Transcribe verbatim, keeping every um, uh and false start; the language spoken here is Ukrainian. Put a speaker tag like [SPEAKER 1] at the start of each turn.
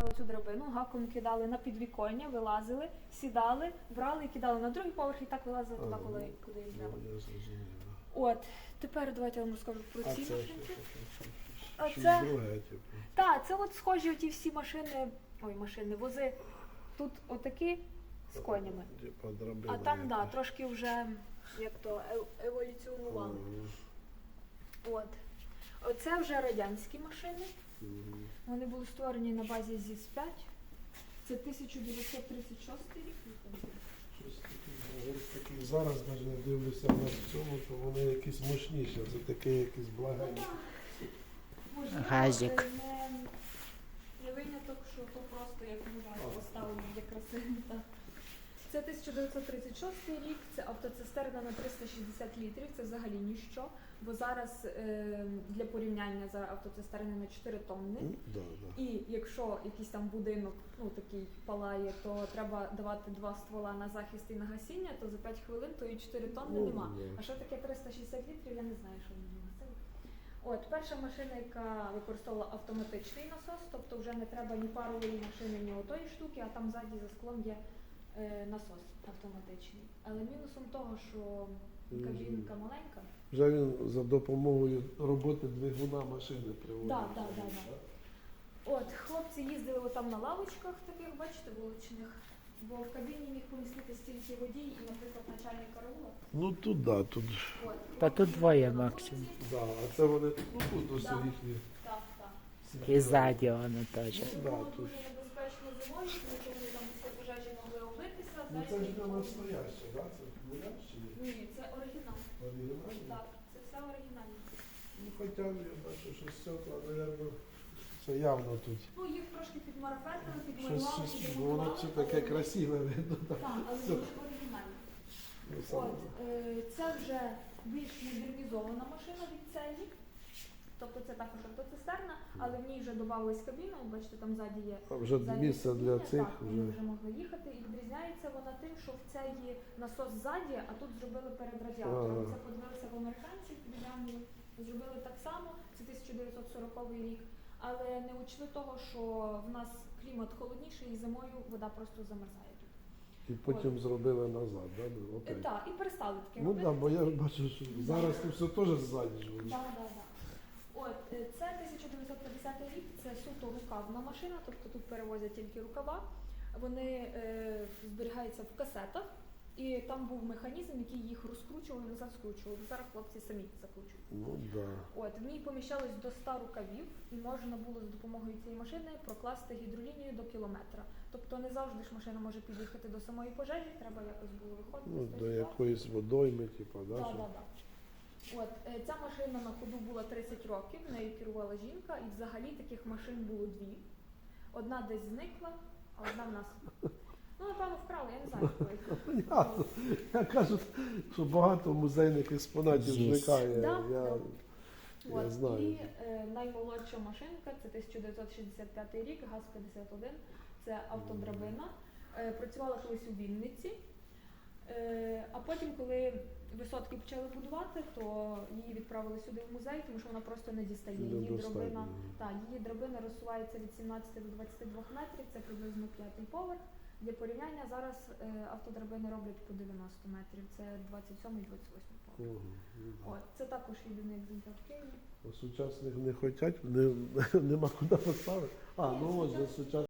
[SPEAKER 1] брали цю драбину, гаком кидали на підвіконня, вилазили, сідали, брали і кидали на другий поверх і так вилазили туди, коли, куди їм треба.
[SPEAKER 2] Ну, я зрозумів.
[SPEAKER 1] От, тепер давайте я вам розкажу про
[SPEAKER 2] А
[SPEAKER 1] ці
[SPEAKER 2] це
[SPEAKER 1] машинки.
[SPEAKER 2] що таке?
[SPEAKER 1] А
[SPEAKER 2] Щось
[SPEAKER 1] це-
[SPEAKER 2] друге, типу.
[SPEAKER 1] Так, це от схожі оті всі машини, ой, машини, вози. Тут отакі з конями.
[SPEAKER 2] Типа драбина.
[SPEAKER 1] А там, так, да,
[SPEAKER 2] якась.
[SPEAKER 1] трошки вже, як то, ев- еволюціонували.
[SPEAKER 2] Мгм.
[SPEAKER 1] От. Оце вже радянські машини.
[SPEAKER 2] Мгм.
[SPEAKER 1] Вони були створені на базі зіс п'ять. Це тисяча дев'ятсот тридцять шостий рік.
[SPEAKER 2] Щось таке, говорить, такі зараз навіть дивлюся на цьому, то вони якісь мощніші, це таке якісь благенькі.
[SPEAKER 1] Можливо,
[SPEAKER 3] Газик.
[SPEAKER 1] е, Не, не виняток, що то просто як мужа поставили для краси. Так. Це тисяча дев'ятсот тридцять шостий рік, це автоцистерна на триста шістдесят літрів, це взагалі ніщо, бо зараз е, для порівняння за автоцистерни на чотири тонни.
[SPEAKER 2] Ну, да, да.
[SPEAKER 1] І якщо якийсь там будинок, ну такий палає, то треба давати два ствола на захист і на гасіння, то за п'ять хвилин то і чотири тонни
[SPEAKER 2] Ну,
[SPEAKER 1] нема.
[SPEAKER 2] да.
[SPEAKER 1] А що таке триста шістдесят літрів, я не знаю, що вони носили. От, перша машина, яка використовувала автоматичний насос, тобто вже не треба ні парової машини, ні отої штуки, а там ззаді за склом є е, насос автоматичний. Але мінусом того, що кабінка маленька.
[SPEAKER 2] Вже він за допомогою роботи двигуна машини приводить.
[SPEAKER 1] Да, да, да, да. От, хлопці їздили отам на лавочках таких, бачите, вуличних, бо в кабіні міг поміститись тільки водій і, наприклад, начальник караула.
[SPEAKER 2] Ну тут да, тут.
[SPEAKER 1] От.
[SPEAKER 3] Та тут двоє максимум.
[SPEAKER 2] Да, а це вони ну, тут ось
[SPEAKER 1] Да.
[SPEAKER 2] їхні.
[SPEAKER 1] Так, так.
[SPEAKER 3] І ззаді воно теж.
[SPEAKER 1] Це
[SPEAKER 2] Да,
[SPEAKER 1] було
[SPEAKER 2] тут.
[SPEAKER 1] дуже небезпечно зимою, тому що вони там після пожежі могли облитися.
[SPEAKER 2] Ну
[SPEAKER 1] знаєте,
[SPEAKER 2] це ж
[SPEAKER 1] і
[SPEAKER 2] не
[SPEAKER 1] було-
[SPEAKER 2] настояще, да? Це муляж чи ні?
[SPEAKER 1] Ні, це оригінал.
[SPEAKER 2] Оригінальний?
[SPEAKER 1] Так, це все оригінальне.
[SPEAKER 2] Ну хоча я бачу, що стекла, мабуть, це явно тут.
[SPEAKER 1] Ну, їх трошки підмарафетили,
[SPEAKER 2] Щось,
[SPEAKER 1] підмалювали,
[SPEAKER 2] щось, бо воно
[SPEAKER 1] підремонтували,
[SPEAKER 2] все таке
[SPEAKER 1] але-
[SPEAKER 2] красиве видно.
[SPEAKER 1] Так, але
[SPEAKER 2] Все.
[SPEAKER 1] дуже оригінальне.
[SPEAKER 2] Ну, саме.
[SPEAKER 1] От, е, це вже більш модернізована машина від цієї. Тобто це також автоцистерна, але в ній вже додавалась кабіна, от бачите, там ззаді є
[SPEAKER 2] А вже
[SPEAKER 1] заднє
[SPEAKER 2] місце для
[SPEAKER 1] сидіння,
[SPEAKER 2] цих
[SPEAKER 1] так, вони
[SPEAKER 2] вже.
[SPEAKER 1] вже могли їхати. І відрізняється вона тим, що в цей насос ззаді, а тут зробили перед радіатором.
[SPEAKER 2] Ага.
[SPEAKER 1] Це подивилися в американців, підглянули, зробили так само, це тисяча дев'ятсот сороковий рік. Але не учли того, що в нас клімат холодніший і зимою вода просто замерзає тут.
[SPEAKER 2] І потім зробили назад, да? ну,
[SPEAKER 1] Е,
[SPEAKER 2] опять.
[SPEAKER 1] Так, і перестали таке
[SPEAKER 2] Ну
[SPEAKER 1] робити.
[SPEAKER 2] так, бо я бачу, що зараз тут все теж ззаді ж воно.
[SPEAKER 1] Да, да, да. От, е, це тисяча дев'ятсот п'ятдесятий рік, це суто рукавна машина, тобто тут перевозять тільки рукава. Вони е, зберігаються в касетах, і там був механізм, який їх розкручував і назад скручував. Зараз хлопці самі закручують.
[SPEAKER 2] Ну да.
[SPEAKER 1] От, в ній поміщалось до ста рукавів, і можна було за допомогою цієї машини прокласти гідролінію до кілометра. Тобто не завжди ж машина може під'їхати до самої пожежі, треба якось було виходити
[SPEAKER 2] Ну,
[SPEAKER 1] з
[SPEAKER 2] до
[SPEAKER 1] тої ситуації.
[SPEAKER 2] якоїсь водойми, типу, да?
[SPEAKER 1] Так,
[SPEAKER 2] що-
[SPEAKER 1] так, так. От, е, ця машина на ходу була тридцять років, нею керувала жінка, і взагалі таких машин було дві. Одна десь зникла, а одна в нас. Ну, напевно, вкрали, я не знаю, хто їх.
[SPEAKER 2] Понятно. Я кажу, що багато музейних експонатів
[SPEAKER 3] Є.
[SPEAKER 2] зникає.
[SPEAKER 1] Да,
[SPEAKER 2] Я,
[SPEAKER 1] да.
[SPEAKER 2] я
[SPEAKER 1] От,
[SPEAKER 2] знаю.
[SPEAKER 1] і е, наймолодша машинка, це тисяча дев'ятсот шістдесят п'ятий рік, ГАЗ п'ятдесят один, це автодрабина. Е, працювала колись у Вінниці. Е, а потім, коли висотки почали будувати, то її відправили сюди в музей, тому що вона просто не дістає. Її
[SPEAKER 2] Недостатньо.
[SPEAKER 1] драбина, та, її драбина розсувається від сімнадцяти до двадцяти двох метрів, це приблизно п'ятий поверх. Для порівняння зараз е, автодрабини роблять по дев'яносто метрів, це двадцять сьомий двадцять восьмий поверх.
[SPEAKER 2] Ого, ну да.
[SPEAKER 1] От, це також єдиний екземпляр в Києві.
[SPEAKER 2] А сучасних не хочуть, не, нема куди поставити. А, ну ось за сучасних.